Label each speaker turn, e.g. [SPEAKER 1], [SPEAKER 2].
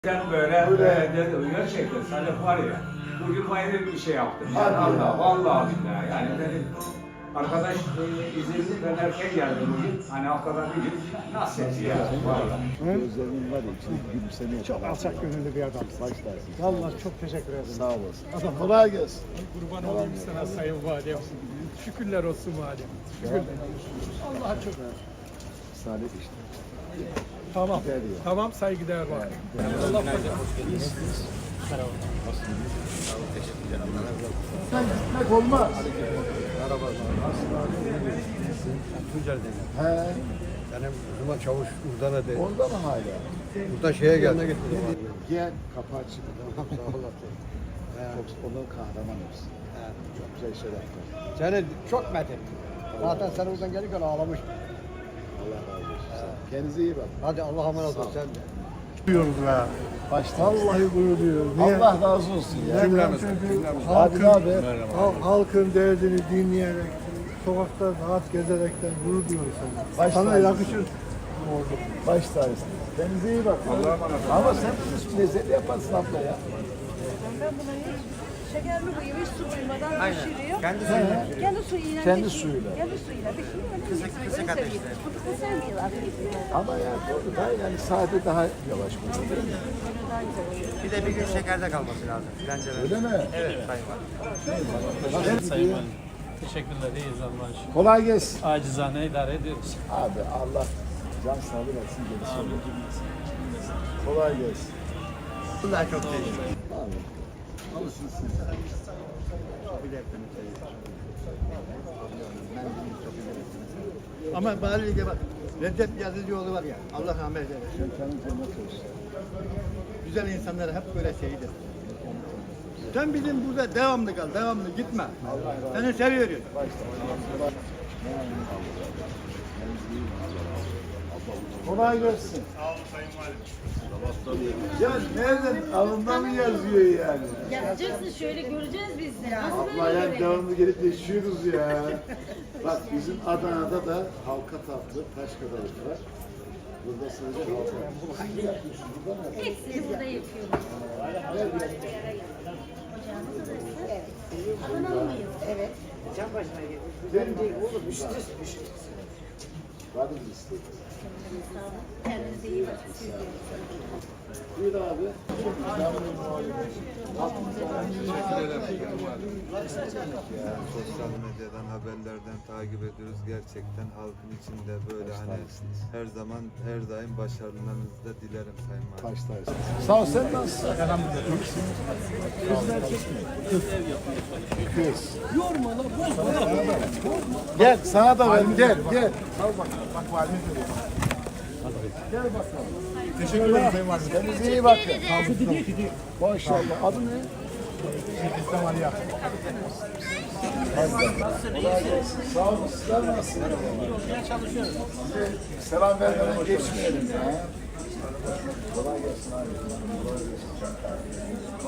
[SPEAKER 1] Sen böyle dedim gerçekten Salih var ya bugün bayram bir şey yaptım. Yani Allah vallahi billahi yani dedim arkadaş izinli ben erken geldim bugün. Hani haftada bir gün nasıl etti ya vallahi.
[SPEAKER 2] Gözlerinin var ya içinde gülümseme.
[SPEAKER 3] Çok alçak gönüllü bir adam.
[SPEAKER 2] Başlarsın.
[SPEAKER 3] Vallahi çok teşekkür ederim.
[SPEAKER 2] Sağ olasın.
[SPEAKER 3] Adam
[SPEAKER 2] Kolay gelsin.
[SPEAKER 3] kurban olayım sana sayın validem. Şükürler olsun validem. Şükürler. Allah'a çok
[SPEAKER 2] Salih işte.
[SPEAKER 3] Tamam.
[SPEAKER 2] Güzel ya.
[SPEAKER 3] Tamam saygıdeğer var. Allah
[SPEAKER 2] Sen gitmek olmaz.
[SPEAKER 4] Tunceli'deyim.
[SPEAKER 2] He.
[SPEAKER 4] Benim kızıma çavuş Urdan'a de.
[SPEAKER 2] Onda mı hala?
[SPEAKER 4] Burada şeye geldi.
[SPEAKER 2] Gel kapı açık.
[SPEAKER 4] Tamam sağ olasın.
[SPEAKER 2] Çok onun kahramanımız. Çok güzel şeyler yaptı.
[SPEAKER 4] Seni çok met ettim. Zaten sen oradan gelirken ağlamış.
[SPEAKER 2] Allah razı olsun. Kendinize iyi bakın.
[SPEAKER 4] Hadi Allah'a emanet ol sen de.
[SPEAKER 3] Duyuyoruz ya.
[SPEAKER 2] Başta.
[SPEAKER 3] Vallahi gurur duyuyoruz.
[SPEAKER 2] Allah razı olsun ya. Abi ne haber?
[SPEAKER 3] Halkın derdini dinleyerek, sokakta rahat gezerekten gurur duyuyoruz sana.
[SPEAKER 2] Baş
[SPEAKER 3] Sana
[SPEAKER 2] tacısın.
[SPEAKER 3] yakışır.
[SPEAKER 2] Baş tacısın. Kendinize iyi bakın. Allah'a emanet olun. Ama sen bunu lezzetli yaparsın abla ya.
[SPEAKER 5] Ben bunu hiç şekerli koyuyor, hiç su koymadan pişiriyor.
[SPEAKER 4] Kendi suyuyla.
[SPEAKER 5] Kendi suyuyla
[SPEAKER 2] Kendi
[SPEAKER 5] pişiriyor.
[SPEAKER 2] suyuyla.
[SPEAKER 5] Kendi suyuyla pişiriyor. Kısık ateşte. Fıtıklı sevmiyorlar.
[SPEAKER 2] Ama ya doğru da yani sade daha yavaş koyuyor. Değil mi?
[SPEAKER 4] Bir de bir gün şekerde kalması lazım. Bence
[SPEAKER 2] Öyle mi?
[SPEAKER 4] Evet sayın var.
[SPEAKER 2] Nasıl gidiyor?
[SPEAKER 6] Teşekkürler, iyiyiz Allah'a şükür.
[SPEAKER 2] Kolay gelsin.
[SPEAKER 6] Acizane idare ediyoruz.
[SPEAKER 2] Abi Allah can sağlığı versin gerisi olur. Kolay gelsin.
[SPEAKER 4] Bunlar çok değişik.
[SPEAKER 2] Abi. Alışırsın sen.
[SPEAKER 4] Ama Bali'de bak. Recep Yazıcıoğlu var ya. Allah rahmet eylesin.
[SPEAKER 2] Şeytanın cennet olsun.
[SPEAKER 4] Güzel insanlara hep böyle şeydir. Sen bizim burada devamlı kal, devamlı gitme. Seni seviyoruz.
[SPEAKER 2] Kolay gelsin. Sağ olun Sayın Valim. Ya nereden? Alında mı yazıyor yani?
[SPEAKER 5] Yapacaksın şöyle göreceğiz biz de. Nasıl
[SPEAKER 2] Allah yani devamlı gelip yaşıyoruz ya. Bak bizim Adana'da da halka tatlı taş kadarlık var. Burada sadece halka.
[SPEAKER 5] Hepsini burada yapıyoruz. Ocağımız orası. Evet. Adanalı mıyız? Evet.
[SPEAKER 2] Var mı isteğiniz?
[SPEAKER 5] Kendinize iyi bakın. Siz de.
[SPEAKER 2] Buyur abi.
[SPEAKER 7] Sosyal medyadan, haberlerden takip ediyoruz. Gerçekten halkın içinde böyle hani her zaman, her daim başarılarınızı da dilerim Sayın Valim.
[SPEAKER 2] Taş taş. Sağ ol, sen nasılsın? Kız mı erkek mi? Kız. Yorma lan, gel sana da verin, gel. Al bak, valime veriyorum. Gel bakalım. Teşekkür ederim Sayın Valim. Kendinize iyi bakın. Maşallah. Adı ne? İslam Aliya. Sağ olun. Sizler nasılsınız? Çalışıyoruz. Selam vermeden geçmeyelim ya. Kolay gelsin abi. Kolay gelsin.